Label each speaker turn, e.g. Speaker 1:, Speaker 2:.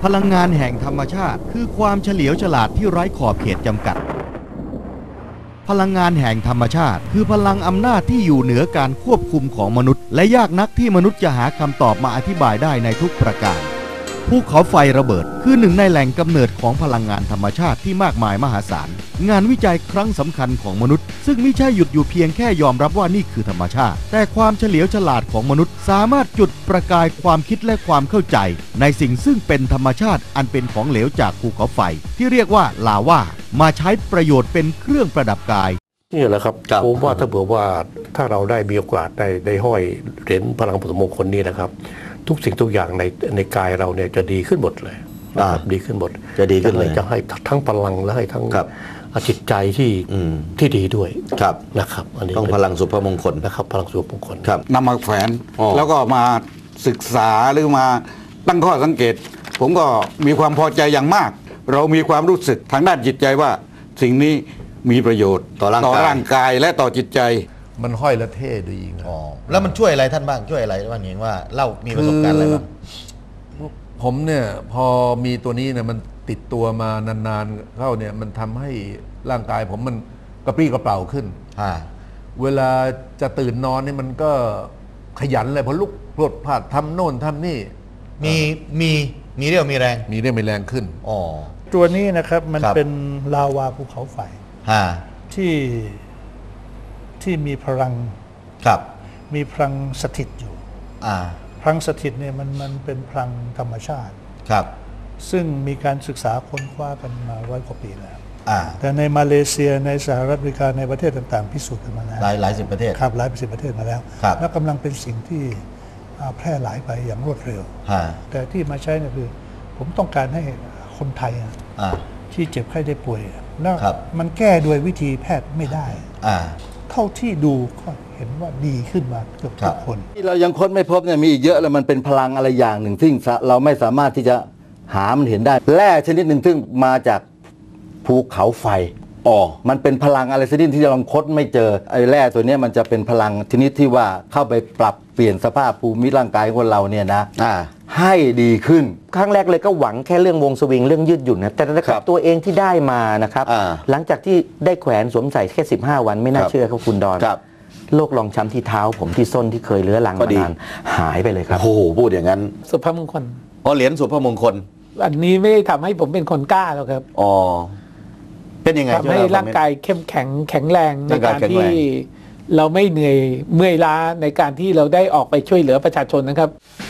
Speaker 1: พลังงานแห่งธรรมชาติคือความเฉลียวฉลาดที่ไร้ขอบเขตจำกัดพลังงานแห่งธรรมชาติคือพลังอำนาจที่อยู่เหนือการควบคุมของมนุษย์และยากนักที่มนุษย์จะหาคำตอบมาอธิบายได้ในทุกประการภูเขาไฟระเบิดคือหนึ่งในแหล่งกำเนิดของพลังงานธรรมชาติที่มากมายมหาศาลงานวิจัยครั้งสำคัญของมนุษย์ซึ่งไม่ใช่หยุดอยู่เพียงแค่ยอมรับว่านี่คือธรรมชาติแต่ความเฉลียวฉลาดของมนุษย์สามารถจุดประกายความคิดและความเข้าใจในสิ่งซึ่งเป็นธรรมชาติอันเป็นของเหลวจากภูเขาไฟที่เรียกว่าลาวามาใช้ประโยชน์เป็นเครื่องประดับกาย
Speaker 2: นี่แหละครับผมว่าถ้าเผื่อว่าถ้าเราได้มีโอกาสได้ห้อยเหรียญพลังผสมมงคลนี้นะครับทุกสิ่งทุกอย่างในกายเราเนี่ยจะดีขึ้นหมดเลยนะครับดีขึ้นหมด
Speaker 1: จะดีขึ้นเลย
Speaker 2: จะให้ทั้งพลังและให้ทั้งจิตใจที่ดีด้วยนะครับอันนี้
Speaker 1: ต้องพลังสุภมงคล
Speaker 2: นะครับพลังสุภมงคล
Speaker 3: นำมาแขวนแล้วก็มาศึกษาหรือมาตั้งข้อสังเกตผมก็มีความพอใจอย่างมากเรามีความรู้สึกทางด้านจิตใจว่าสิ่งนี้มีประโยชน์ต่อร่างกายและต่อจิตใจ
Speaker 4: มันห้อยและเท่ดีนะ
Speaker 1: แล้วมันช่วยอะไรท่านบ้างช่วยอะไรบ้างเห็นว่าเล่ามีประสบการณ์อะไรบ้าง
Speaker 4: ผมเนี่ยพอมีตัวนี้เนี่ยมันติดตัวมานานๆเข้าเนี่ยมันทำให้ร่างกายผมมันกระปรี้กระเปร่าขึ้นเวลาจะตื่นนอนนี่มันก็ขยันเลยพอลุกพรวดพลาดทำโน่นทำนี่
Speaker 1: มีเรี่ยวมีแรง
Speaker 4: แรงขึ้น
Speaker 5: ตัวนี้นะครับมันเป็นลาวาภูเขาไฟที่มีพลังมีพลังสถิตอยู่พลังสถิตเนี่ยมันเป็นพลังธรรมชาติซึ่งมีการศึกษาค้นคว้ากันมา100 กว่าปีแล้วแต่ในมาเลเซียในสหรัฐอเมริกาในประเทศต่างๆพิสูจน์กันมาแล้ว
Speaker 1: หลายสิบประเทศ
Speaker 5: หลายสิบประเทศมาแล้วและกำลังเป็นสิ่งที่แพร่หลายไปอย่างรวดเร็วแต่ที่มาใช้เนี่ยคือผมต้องการให้คนไทยที่เจ็บไข้ได้ป่วยแล้วมันแก้ด้วยวิธีแพทย์ไม่ได้เท่าที่ดูก็เห็นว่าดีขึ้นมาเกือบทุกคน
Speaker 6: ที่เรายังค้นไม่พบเนี่ยมีอีกเยอะแล้วมันเป็นพลังอะไรอย่างหนึ่งซึ่งเราไม่สามารถที่จะหามันเห็นได้แร่ชนิดหนึ่งซึ่งมาจากภูเขาไฟมันเป็นพลังอะไรชนิดที่เราค้นไม่เจอไอ้แร่ตัวนี้มันจะเป็นพลังชนิดที่ว่าเข้าไปปรับเปลี่ยนสภาพภูมิร่างกายของเราเนี่ยนะให้ดีขึ้น
Speaker 7: ครั้งแรกเลยก็หวังแค่เรื่องวงสวิงเรื่องยืดหยุ่นนะแต่นะครับตัวเองที่ได้มานะครับหลังจากที่ได้แขวนสวมใส่แค่15 วันไม่น่าเชื่อครับคุณดอนโรครองช้ำที่เท้าผมที่ส้นที่เคยเรื้อรังมานานหายไปเลยครับ
Speaker 1: โอ้โหพูดอย่างนั้น
Speaker 8: สุภมงคล
Speaker 1: เหรียญสุภมงคล
Speaker 8: อันนี้ไม่ได้ทำให้ผมเป็นคนกล้าหรอกครับ
Speaker 1: เป็นยังไง
Speaker 8: ทำให้ร่างกายเข้มแข็งแรงในการที่เราไม่เหนื่อยเมื่อยล้าในการที่เราได้ออกไปช่วยเหลือประชาชนนะครับ